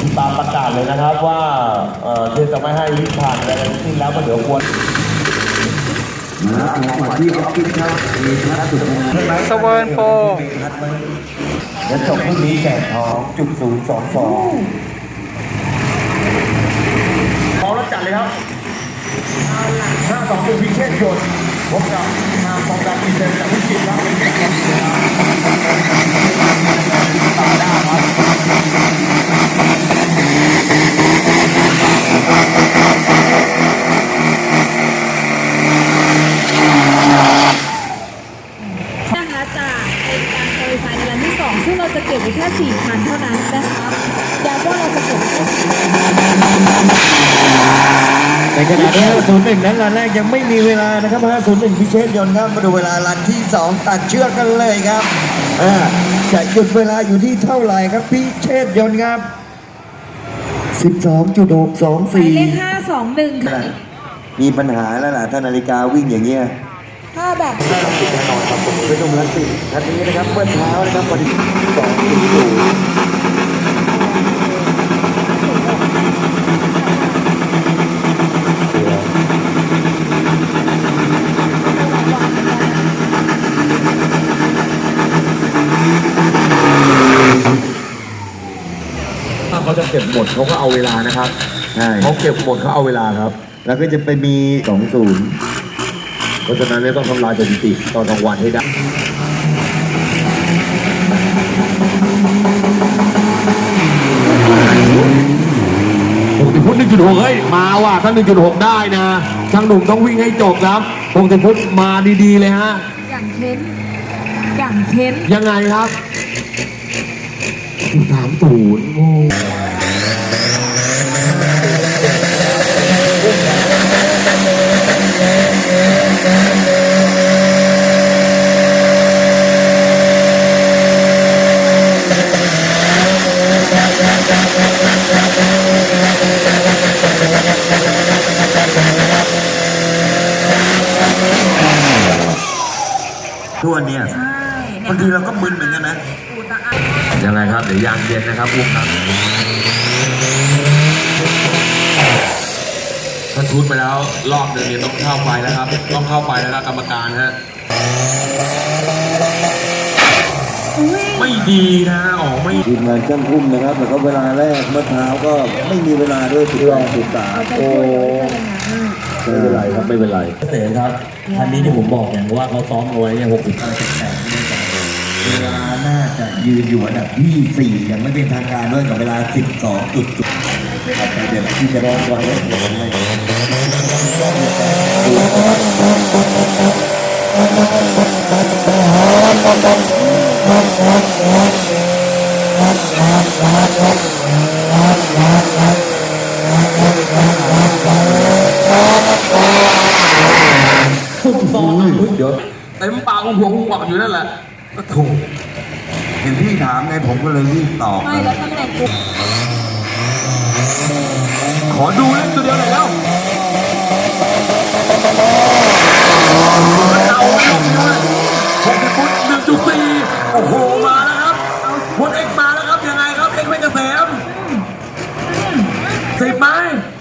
ตามประกาศเลยนะครับว่าเทศจะไม่ให้วิ่งผ่านอะไรทั้งสิ้นแล้วก็เดี๋ยวควรมาที่ออฟฟิศครับมีทัศน์สุดสเวิร์นโปรและจบพรุ่งนี้แจกทอง.022พร้อมแล้วจัดเลยครับ5-2พิเชษฐ์ยนต์พบกับทางฟองดำอินเตอร์จากพิจิตรครับตาด้าครับนะคะจากเป็นการโปรยไฟในรันที่ 2ซึ่งเราจะเก็บไว้แค่ 4,000 เท่านั้นนะคะย้ำว่าเราจะเก็บแค่ในขณะที่501นั้นรันแรกยังไม่มีเวลานะครับ501พิเชษฐ์ยนต์ครับมาดูเวลารันที่2ตัดเชือกกันเลยครับจะหยุดเวลาอยู่ที่เท่าไหร่ครับพิเชษฐ์ยนต์ครับ12.624 หมายเลข521ค่ะมีปัญหาแล้วล่ะถ้านาฬิกาวิ่งอย่างเงี้ยถ้าแบบแน่นอนครับผมเป็นตรงนั้นสิทันนี้นะครับเมื่อเช้านะครับวันที่2.0เขาจะเก็บหมดเขาก็เอาเวลานะครับเขาเก็บหมดเขาเอาเวลาครับแล้วก็จะไปมี20เพราะฉะนั้นเนี่ยต้องทำลายสถิติตอนกลางวันให้ได้60 ฟุต 1.6 เฮ้ยมาว่ะถ้า 1.6 ได้นะช่างหนุ่มต้องวิ่งให้จบครับ60 ฟุตมาดีๆเลยฮะอย่างเค้นอย่างเค้นยังไงครับ30โอ้ทุกวันเนี่ยบางทีเราก็มึนเหมือนกันนะยังไงครับเดี๋ยวยางเย็นนะครับพวกครับถ้าชุดไปแล้วรอบหนึ่งเนี่ยต้องเข้าไปแล้วครับต้องเข้าไปแล้วครับกรรมการฮะไม่ดีนะไม่ทีมงานช่างพุ่มนะครับแต่ก็เวลาแรกเมื่อเช้าก็ไม่มีเวลาด้วย13โอ้ไม่เป็นไรครับไม่เป็นไรเต๋อครับคันนี้ที่ผมบอกอย่างว่าเขาซ้อมเอาไว้เนี่ย68เวลาน่าจะยืนอยู่อันดับที่4ยังไม่เป็นทางการด้วยกับเวลา 12.0ครับเดี๋ยวที่จะรอไว้เดี๋ยวเดี๋ยวเต็มปากของผมหวังอยู่นั่นแหละก็ถูกเห็นพี่ถามไงผมก็เลยรีบตอบไม่แล้วตำแหน่งกูขอดูเล่นตัวเดียวหน่อยแล้วเอา60 ฟุต 1.4 โอ้โหมาแล้วครับพลเอกมาแล้วครับยังไงครับเอกไม่เกษม10ไหม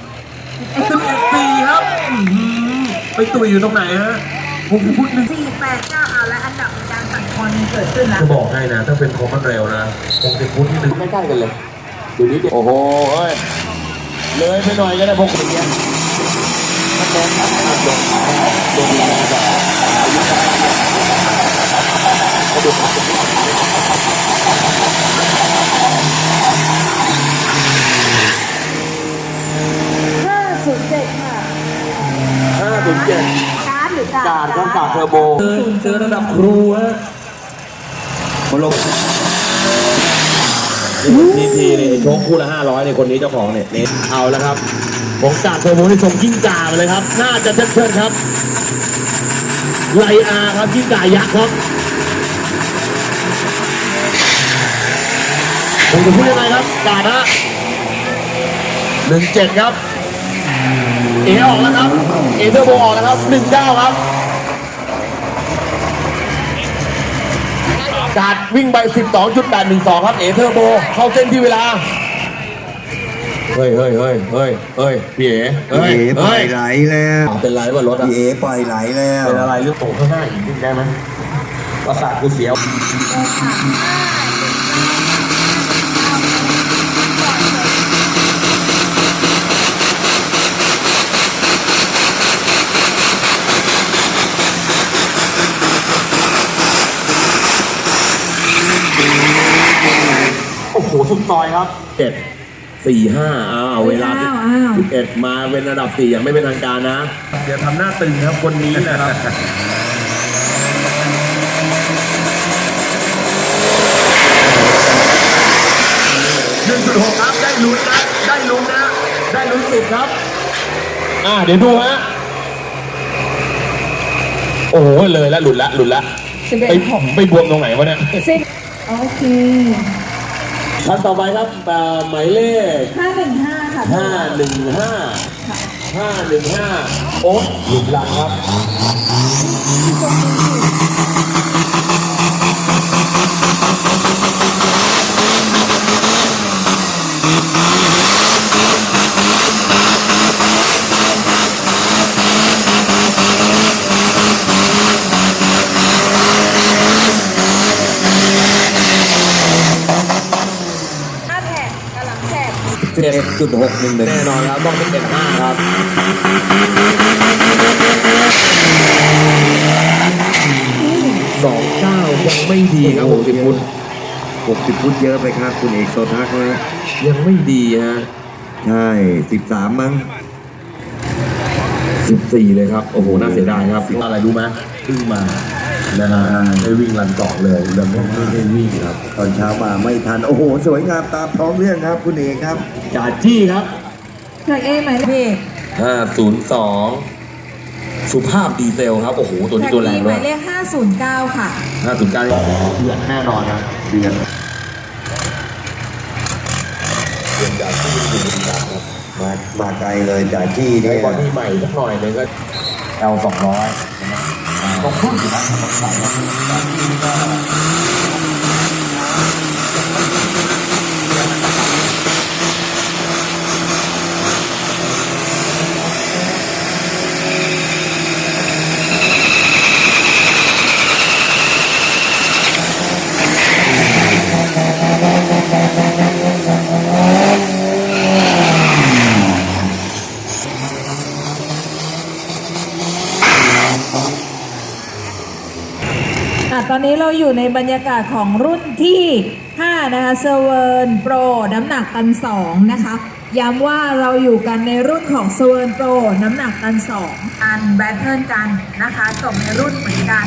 11.4 ครับไปตุยอยู่ตรงไหนฮะ60 ฟุต 489เอาและอันดับการสั่งคอนเกิดขึ้นแล้วจะบอกให้นะถ้าเป็นคอมมันเร็วนะ60 ฟุตที่1ใกล้ๆกันเลยดูนี้โอ้โหเลยไปหน่อยก็ได้พวกคนเนี้ยมันโดนทับโดนแรงแบบ 507ค่ะ 507 การ์ดหรือกาดต้องกาดเทอร์โบเจอระดับครูฮะมาลงทีนี่โชคคู่ละ500ในคนนี้เจ้าของเนี่ยเอาแล้วครับผมกาดเทอร์โบที่ส่งกิ้งก่าไปเลยครับน่าจะเชิดครับไลอาครับกิ้งก่ายักษ์ครับผมจะพูดยังไงครับกาดฮะ17ครับเอออกแล้วครับเอเทอร์โบออกแล้วครับ19ครับการวิ่งไป 12.812 ครับเอเทอร์โบเข้าเส้นที่เวลาเฮ้ยพี่เอ๋พี่เอ๋ปล่อยไหลแล้วเป็นไรวะรถอ่ะพี่เอ๋ปล่อยไหลแล้วเป็นอะไรหรือตกข้างหน้าอีกนิดได้ไหมประสาทกูเสียว โอ้โหสุดซอยครับ7-4-5เวลา11มาเป็นระดับ4อย่างไม่เป็นทางการนะเดี๋ยวทำหน้าตึงครับคนนี้นะครับ1.6ครับได้ลุ้นนะได้ลุ้นนะได้ลุ้นสุดครับเดี๋ยวดูฮะโอ้โหเลยแล้วหลุดละไปบวมตรงไหนวะเนี่ยโอเคท่านต่อไปครับหมายเลข 515 ค่ะ 515 โอ๊ตหลุดหลังครับ 7.611 แน่นอนครับต้องเป็น7.5ครับ29ยังไม่ดีครับ60 ฟุต 60 ฟุตเยอะไปครับคุณเอกโซทักนะยังไม่ดีฮะใช่13มั้ง 14เลยครับโอ้โหน่าเสียดายครับอะไรรู้ไหมเพิ่งมานะฮะได้วิ่งรันเกาะเลยแล้วไม่ได้วิ่งครับตอนเช้ามาไม่ทันโอ้โหสวยงามตามท้องเรื่องครับคุณเอกครับจ่าจี้ครับจากเอหมายเลข 502สุภาพดีเซลครับโอ้โหตัวนี้ตัวแรงหด้วมาย ยเลข509 ค่ะ 509เดือดแน่นอนนะเดือดจ่าจี้อยู่ดีครับมาไกลเลยจากที่ในเนี่ยบอดี้ใหม่สักหน่อยนึงก็ L200ต้องพุ่งอยู่นะต้องใส่ตอนนี้เราอยู่ในบรรยากาศของรุ่นที่ 5 นะคะเซเวิร์นโปรน้ำหนักตัน 2 นะคะ ย้ำว่าเราอยู่กันในรุ่นของเซเวิร์นโปรน้ำหนักตัน 2 อันแบทเทิลกันนะคะจบในรุ่นเหมือนกัน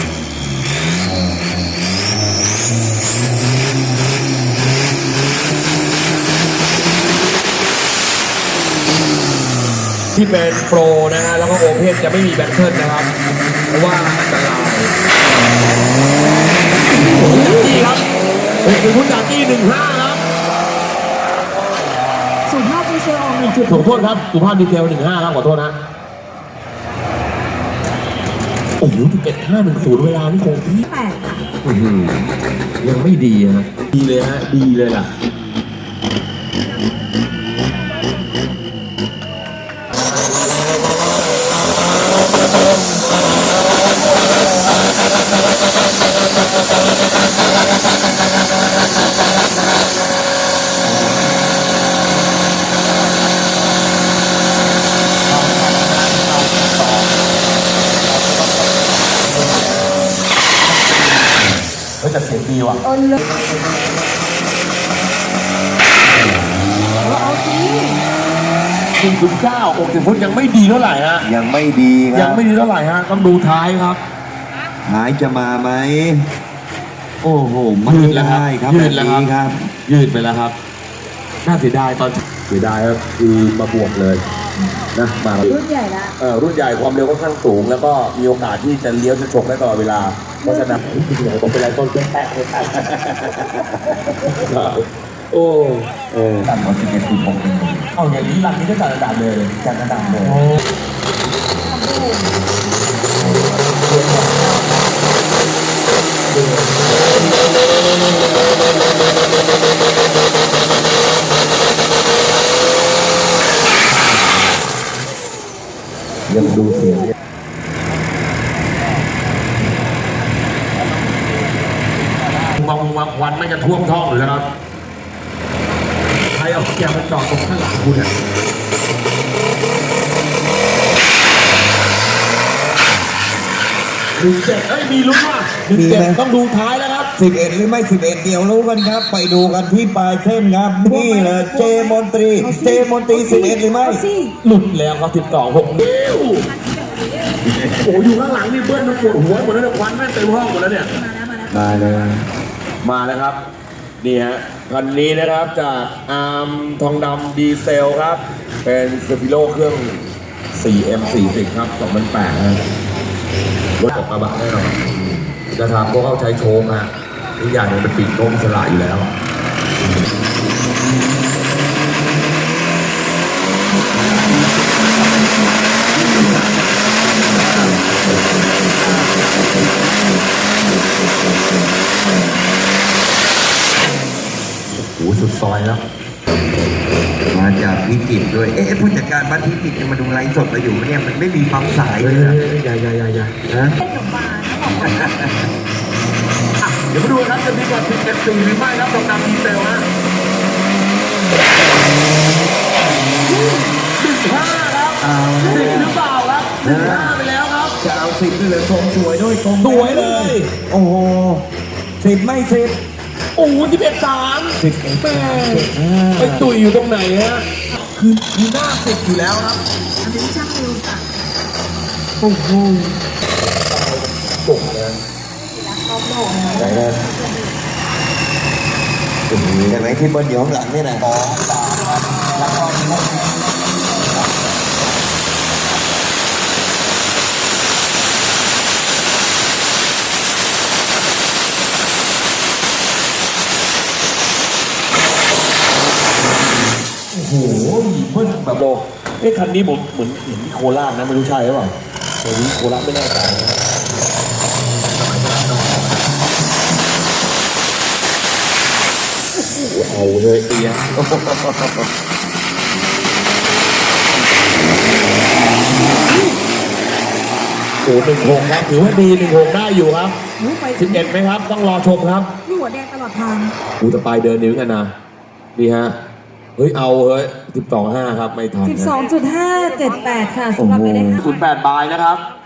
ที่เป็นโปรนะฮะแล้วก็โอเพนจะไม่มีแบตเทิลนะครับเพราะว่าอันตรายนี่ครับเป็นคุณจากที่15ครับสุภาพดีเซลออกขอโทษครับสุภาพดีเทล15ครับขอโทษนะโอ้โห11.510เวลานี่คงที่ 1.8 ค่ะยังไม่ดีฮะดีเลยฮะดีเลยล่ะก็จะเสียงดีว่ะเอาเลยเอาสิ 1.9 60 ฟุตยังไม่ดีเท่าไหร่ฮะยังไม่ดีคยัรังบไม่ดีเท่าไหร่ฮะต้องดูท้ายครับหายจะมาไหมโอ้โหไม่ยืดแล้วครับได้ครับยืแบดบแล้วนี้คครัรับ บยืดไปแล้วครับน่าเสียดายตอนเสียดายครับคือมาบวกเลยนะมารุ่นใหญ่ละรุ่นใหญ่ความเร็วค่อนข้างสูง แล้วก็มีโอกาสที่จะเลี้ยวจะฉกได้ตลอดเวลาเพราะฉะนั้นผมเป็นไรต้นแป๊ะเลยโอ้ต่ำกว่า11.6 เอาอย่างนี้รันนี้ก็จัดระดับเลยจัดระดับเลยเยังดูเสียงบางควันไม่จะท่วมท้องหรือแล้วครับใครเอาแกมาจอดตรงข้างหลังคุณเนี่ย17มีลุ้นว่ะ17ต้องดูท้ายแล้วครับ 11 หรือไม่ 11 เดี๋ยวรู้กันครับ ไปดูกันที่ปลายเส้นครับ นี่เลยเจมนตรี 11 หรือไม่หลุดแล้วครับ12-6นิ้วโอ้อยู่ข้างหลังนี่เบิ้ลมันปวดหัวหมดแล้วเนี่ยควันแม่งเต็มห้องหมดแล้วเนี่ยมาเลยมาแล้วครับนี่ฮะคันนี้นะครับจากอาร์มทองดำดีเซลครับเป็นสปิโลเครื่อง 4M40 ครับ2008ฮะรถออกกระบะแน่นอนนะครับพวกเขาใช้โชว์ฮะทุกอย่างเนี่ยเป็นปีกโน้มสลายอยู่แล้วโอ้โหสุดซอยแล้วมาจากพิจิตรด้วย ผู้จัดการบ้านพิจิตรจะมาดูไลฟ์สดเราอยู่ไหมเนี่ย มันไม่มีปั๊มสายเลยนะอย่าฮะเดี๋ยวมาดูครับจะมีก่อน11-4หรือไม่ครับทองดำดีเซลฮะ15ครับเอา 10หรือเปล่าครับ15ไปแล้วครับจะเอา10ด้วยเลยทรงสวยด้วยทรงสวยเลยโอ้โห10 ไม่ 10 โอ้โห11-3 11 แม่ไปตุยอยู่ตรงไหนฮะคือหน้า10อยู่แล้วครับอันนี้ช่างเร็วจ้ะโอ้โหตกเลยรอบโลกนะไหนนะเห็นไหมที่บนอยู่ข้างหลังนี่นะโอ้โหเบิ้ลแบบโบคันนี้ผมเหมือนเห็นที่โคราชนะไม่รู้ใช่หรือเปล่าแต่นี้โคราชไม่แน่ใจเอาเลยเอียโอ้16ครับถือว่าดี16ได้อยู่ครับไป 11ไหมครับต้องรอชมครับนี่หัวแดงตลอดทางกูจะไปเดินนิ้วกันนะนี่ฮะเฮ้ยเอาเฮ้ย12.5ครับไม่ทัน 12.578 ค่ะสำหรับไม่ได้ค่ะ 08 บายนะครับ